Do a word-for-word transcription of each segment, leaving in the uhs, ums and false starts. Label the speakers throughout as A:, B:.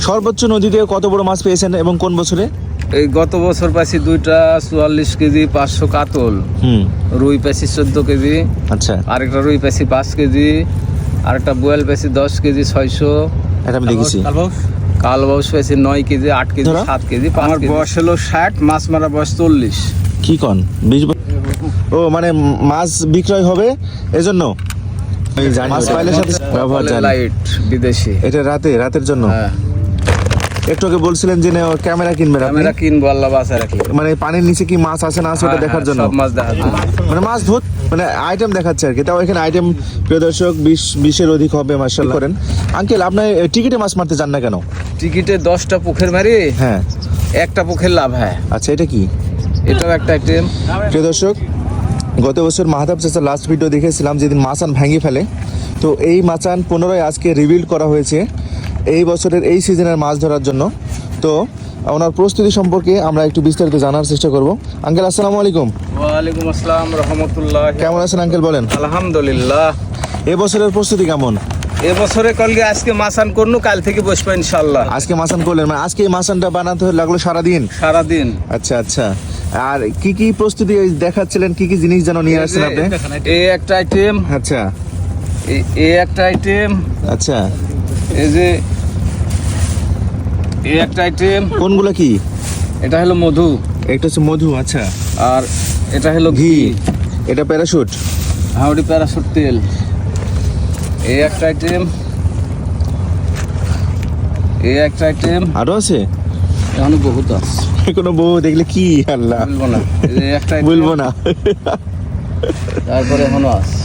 A: সর্বোচ্চ নদীতে কত বড় মাছ পেয়েছেন এবং কোন বছরে?
B: এই গত বছর পাইছি দুইটা চুয়াল্লিশ কেজি পাঁচশো কাতল,
A: হুম
B: রুই পাইছি চোদ্দ কেজি,
A: আচ্ছা
B: আরেকটা রুই পাইছি পাঁচ কেজি, আরেকটা বোয়াল পাইছি দশ কেজি ছয়শো,
A: এটা আমি দেখেছি।
B: কালবাউস পাইছি নয় কেজি আট কেজি
A: ধরো।
B: সাত কেজি। আমার বয়স হলো ষাট, মাছ মারা বয়স চল্লিশ।
A: কি কন বিশ ব- ও মানে মাছ বিক্রয় হবে এজন্য এই জানি মাছ পাইলের সাথে ব্যবহার জানি।
B: লাইট বিদেশি,
A: এটা রাতে রাতের জন্য।
B: হ্যাঁ।
A: একটু আগে বলছিলেন যে না, ক্যামেরা কিনবেন আপনি,
B: ক্যামেরা কিনবো আল্লাহ বাঁচায় রাখলে।
A: মানে পানির নিচে কি মাছ আছে না আছে ওটা
B: হ্যাঁ,
A: দেখার
B: হ্যাঁ,
A: জন্য,
B: সব মাছ দেখার জন্য।
A: মানে মাছ ধর মানে আইটেম দেখাচ্ছে আর কি। তাও এখানে আইটেম প্রিয় দর্শক বিশ বিশের অধিক হবে মাশাআল্লাহ করেন। আঙ্কেল আপনার টিকিটে মাছ মারতে যান না কেন?
B: টিকিটে দশটা পুকুর মারি,
A: হ্যাঁ
B: একটা পুকুর লাভ হয়।
A: আচ্ছা, এটা কি?
B: এটাও একটা আইটেম।
A: প্রিয় দর্শক, গত বছর মাহাতাব চাচার লাস্ট ভিডিও দেখেছিলাম যেদিন মাচান ভেঙে ফেলে, তো এই মাচান পুনরায় আজকে রিবিল্ড করা হয়েছে এই বছরের এই সিজনের মাছ ধরার জন্য। তো ওনার প্রস্তুতি সম্পর্কে আমরা একটু বিস্তারিত জানার চেষ্টা করব। আঙ্কেল আসসালামু আলাইকুম।
B: ওয়ালাইকুম আসসালাম রহমতুল্লাহ।
A: কেমন আছেন আঙ্কেল বলেন?
B: আলহামদুলিল্লাহ।
A: এবছরের প্রস্তুতি কেমন?
B: এবছরে কলকে আজকে মাসান করনু, কাল থেকে বসবো ইনশাল্লাহ।
A: আজকে মাচান করলেন, মানে আজকে এই মাচানটা বানাতে লাগলো সারাদিন?
B: সারাদিন।
A: আচ্ছা আচ্ছা। আর কি কি প্রস্তুতি দেখাচ্ছিলেন, কি কি জিনিস যেন নিয়ে আসছেন আপনি?
B: এই একটা আইটেম,
A: আচ্ছা
B: এই একটা আইটেম,
A: আচ্ছা।
B: এই যে এই একটা আইটেম।
A: কোনগুলো কি?
B: এটা হলো মধু,
A: একটা হচ্ছে মধু, আচ্ছা।
B: আর এটা হলো
A: ঘি,
B: ঘি,
A: এটা প্যারাশুট,
B: হাওড়ি প্যারাশুট তেল। এই একটা আইটেম, এই একটা আইটেম,
A: আরো আছে
B: এখন বহুত আছে,
A: কোনো বউ দেখলে কি আল্লাহ
B: বলবো না। এই একটা item,
A: বলবো না।
B: তারপরে এখনো আছে।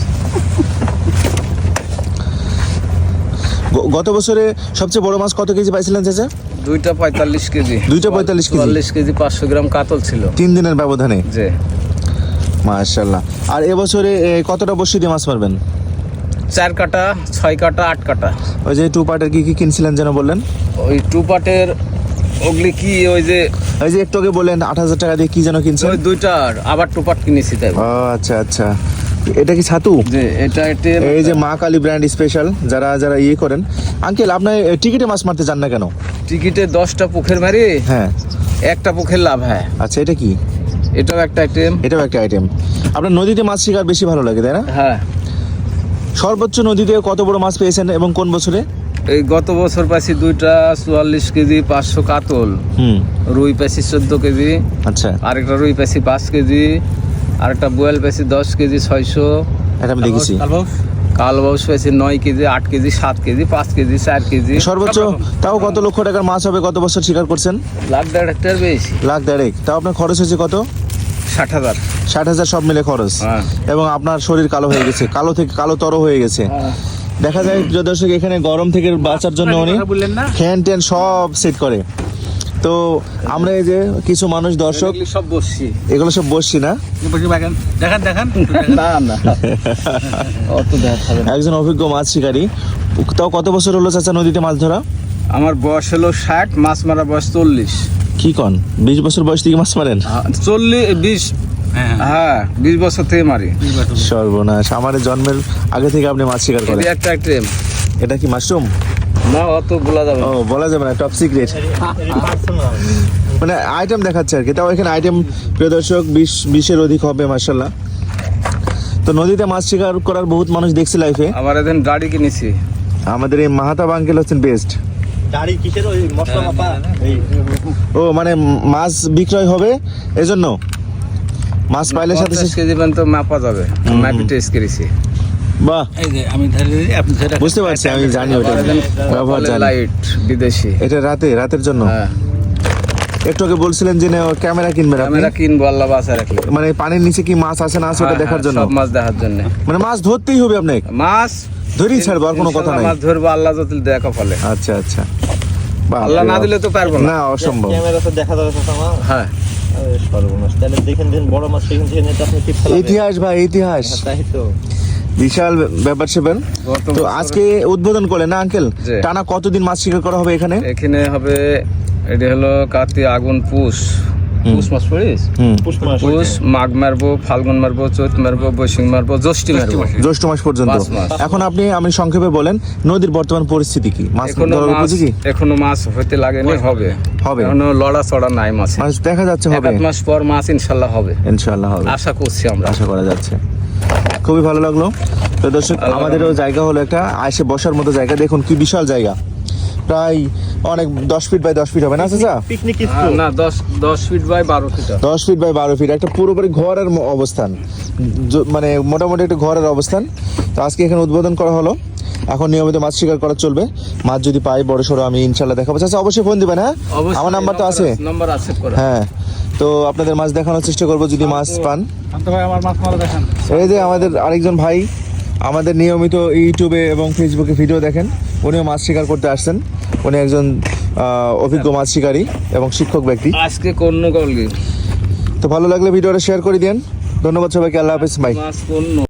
A: গ- গত বছরে সবচেয়ে বড় মাছ কত কেজি পাইছিলেন চাচা?
B: দুইটা পঁয়তাল্লিশ কেজি,
A: দুইটা পঁয়তাল্লিশ কেজি?
B: চুয়াল্লিশ কেজি পাঁচশো গ্রাম কাতল ছিল
A: তিন দিনের ব্যবধানে,
B: যে।
A: মাশাআল্লাহ। আর এবছরে এ, কতটা বড়শি দিয়ে মাছ মারবেন?
B: চার কাটা, ছয় কাটা, আট কাটা।
A: ওই যে টু পার্টের কি কি কিনছিলেন যেন বললেন?
B: ওই টু পাটের ওগুলি কি, ওই যে
A: ওই যে একটু আগে বললেন আট হাজার টাকা দিয়ে কি যেন কিনছেন?
B: ওই দুইটার আবার টু পাট কিনেছি তাই।
A: ও আচ্ছা আচ্ছা। এটা কি ছাতু?
B: যে এটা এটা
A: এই যে মা কালী ব্র্যান্ড স্পেশাল, যারা যারা ইয়ে করেন। আঙ্কেল আপনার এ, টিকিটে মাছ মারতে যান না কেন?
B: টিকিটে দশটা পুকুর মারি,
A: হ্যাঁ
B: একটা পুকুর লাভ হয়।
A: আচ্ছা, এটা কি?
B: এটাও একটা আইটেম।
A: এটাও একটা আইটেম। আপনার নদীতে মাছ শিকার বেশি ভালো লাগে তাই না?
B: হ্যাঁ।
A: সর্বোচ্চ নদীতে কত বড় মাছ পেয়েছেন এবং কোন বছরে?
B: এই গত বছর পাইছি দুইটা চুয়াল্লিশ কেজি পাঁচশো কাতল,
A: হুম
B: রুই পাইছি চোদ্দ কেজি,
A: আচ্ছা,
B: আরেকটা রুই পাইছি পাঁচ কেজি, আরেকটা বোয়াল পাইছি দশ কেজি ছয়শো,
A: এটা আমি দেখেছি।
B: কালবাউস পাইছি নয় কেজি আট কেজি সাত কেজি পাঁচ কেজি চার কেজি।
A: সর্বোচ্চ তাও কত লক্ষ টাকার মাছ হবে গত বছর শিকার করছেন?
B: লাখ দেড় হেক্টর বেশি।
A: লাখ দেড়েক। তাও আপনার খরচ হয়েছে কত?
B: ষাট হাজার।
A: ষাট হাজার সব মিলে খরচ।
B: হ্যাঁ।
A: এবং আপনার শরীর কালো হয়ে গেছে, কালো থেকে কালো তর হয়ে গেছে। দেখা যায় প্রিয় দর্শক, এখানে গরম থেকে বাঁচার জন্য উনি ফ্যান ট্যান সব সেট করে। তো আমরা এই যে কিছু মানুষ দর্শক,
B: এগুলি সব বসছি।
A: এগুলো সব বসছি না,
C: দেখান দেখান
B: না না অত দেখা যাবে না।
A: একজন অভিজ্ঞ মাছ শিকারী। তাও কত বছর হলো চাচা নদীতে মাছ ধরা?
B: আমার বয়স হলো ষাট, মাছ মারা বয়স চল্লিশ।
A: কি কন, বিশ বছর বয়স থেকে মাছ মারেন?
B: চল্লিশ বিশ, হ্যাঁ বিশ বছর থেকে মারি।
A: সর্বনাশ, আমার জন্মের আগে থেকে আপনি মাছ শিকার করেন।
B: এই একটা আইটেম।
A: এটা কি মাশরুম?
B: না অত বলা যাবে
A: ও
B: না।
A: বলা যাবে না, টপ সিক্রেট। মানে আইটেম দেখাচ্ছে আর কি। তাও এখানে আইটেম প্রিয় দর্শক বিশ বিশের অধিক হবে মাশাআল্লাহ। তো নদীতে মাছ শিকার করার বহুত মানুষ দেখছি লাইফে।
B: আমার এখন গাড়ি কিনেছি।
A: আমাদের এই মাহাতাব আঙ্কেল হচ্ছেন বেস্ট।
C: দাড়ি কিসের ওই মশলা মাপা এই
A: ও মানে মাছ বিক্রয় হবে এজন্য মাছ পাইলের সাথে
B: পঞ্চাশ কেজি পর্যন্ত মাপা যাবে, মাপি টেস্ট করেছি।
A: বাহ,
C: এই যে আমি ধরে আপনি ধরে
A: বুঝতে পারছি, আমি জানি ওটা ব্যবহার জানি।
B: লাইট বিদেশি।
A: এটা রাতে রাতের জন্য।
B: হ্যাঁ।
A: একটু আগে বলছিলেন যে না, ক্যামেরা কিনবেন আপনি,
B: ক্যামেরা কিনবো আল্লাহ বাঁচায় রাখলে।
A: মানে পানির নিচে কি মাছ আছে না আছে ওটা
B: হ্যাঁ,
A: দেখার
B: হ্যাঁ,
A: জন্য।
B: সব মাছ দেখার জন্য।
A: মানে মাছ ধরতেই হবে আপনাকে,
B: মাছ
A: ধরেই ছাড়বো, আর কোনো কথা নাই।
B: মাছ ধরবো আল্লাহ যদি দেখা ফলে।
A: আচ্ছা আচ্ছা। বাহ,
B: আল্লাহ না দিলে তো পারবো না।
A: না, অসম্ভব।
C: ক্যামেরা তো দেখা যাবে তো আমার
B: হ্যাঁ।
C: আরে সর্বনাশ, তাহলে দেখেন দেখেন বড় মাছ দেখেন দেখেন এটা আপনি টিপ ফেলাবেন।
A: ইতিহাস ভাই, ইতিহাস
C: তাই তো
A: বিশাল ব্যাপার সেবেন।
B: গত
A: তো
B: বছরে-
A: আজকে উদ্বোধন করলেন না আঙ্কেল?
B: জি।
A: টানা কতদিন মাছ শিকার করা হবে এখানে?
B: এখানে হবে, এটি হলো কার্তিক আগুন পুষ পুষ মাস পড়িস
A: হুম
C: পুষ মাস
B: পুষ মাঘ মারবো, ফাল্গুন মারবো, চৈত মারবো, বৈশাখ মারবো, জ্যৈষ্ঠী মারবো।
A: জ্যৈষ্ঠ মাস পর্যন্ত।
B: পাঁচ মাস।
A: এখন আপনি আমি সংক্ষেপে বলেন নদীর বর্তমান পরিস্থিতি কি, মাছ
B: এখনো
A: ধরার
B: মাছ
A: উপযোগী?
B: এখনো মাছ হতে লাগেনি, হবে
A: হবে।
B: এখনো লড়া চড়া নাই মাছ।
A: মাছ দেখা যাচ্ছে
B: এক
A: হবে,
B: আধ মাস পর মাছ ইনশাল্লাহ হবে,
A: ইনশাআল্লাহ হবে,
B: আশা করছি আমরা।
A: আশা করা যাচ্ছে। খুবই ভালো লাগলো। তো দর্শক আমাদেরও জায়গা হলো একটা এসে বসার মতো জায়গা, দেখুন কি বিশাল জায়গা, প্রায় অনেক দশ ফিট বাই দশ ফিট হবে না চাচা?
C: পিকনিক
B: হ্যাঁ,
C: স্পট
B: না দশ দশ ফিট বাই বারো ফিট হবে।
A: দশ ফিট বাই বারো ফিট একটা পুরোপুরি ঘরের ম- অবস্থান, য- মানে মোটামুটি একটা ঘরের অবস্থান। তো আজকে এখানে উদ্বোধন করা হলো। এখন নিয়মিত মাছ শিকার করা চলবে, মাছ যদি পাই বড় সড়ো আমি ইনশাল্লাহ দেখাবো। চাচা অবশ্যই ফোন দিবেন, হ্যাঁ
B: অবশ্যই
A: আমার নাম্বার তো আছে।
B: নাম্বার আছে করা।
A: হ্যাঁ, তো আপনাদের মাছ দেখানোর চেষ্টা করবো যদি মাছ পান।
B: ভাই আমার মাছ মারা দেখান।
A: এই যে আমাদের আরেকজন ভাই আমাদের নিয়মিত ইউটিউবে এবং ফেসবুকে ভিডিও দেখেন, উনিও মাছ শিকার করতে আসছেন। উনি একজন আহ, অভিজ্ঞ মাছ শিকারী এবং শিক্ষক ব্যক্তি।
B: আজকে কোন গলগি
A: তো ভালো লাগলে ভিডিওটা শেয়ার করে দিন। ধন্যবাদ সবাইকে, আল্লাহ হাফেজ, বাই।
B: মাছ কোন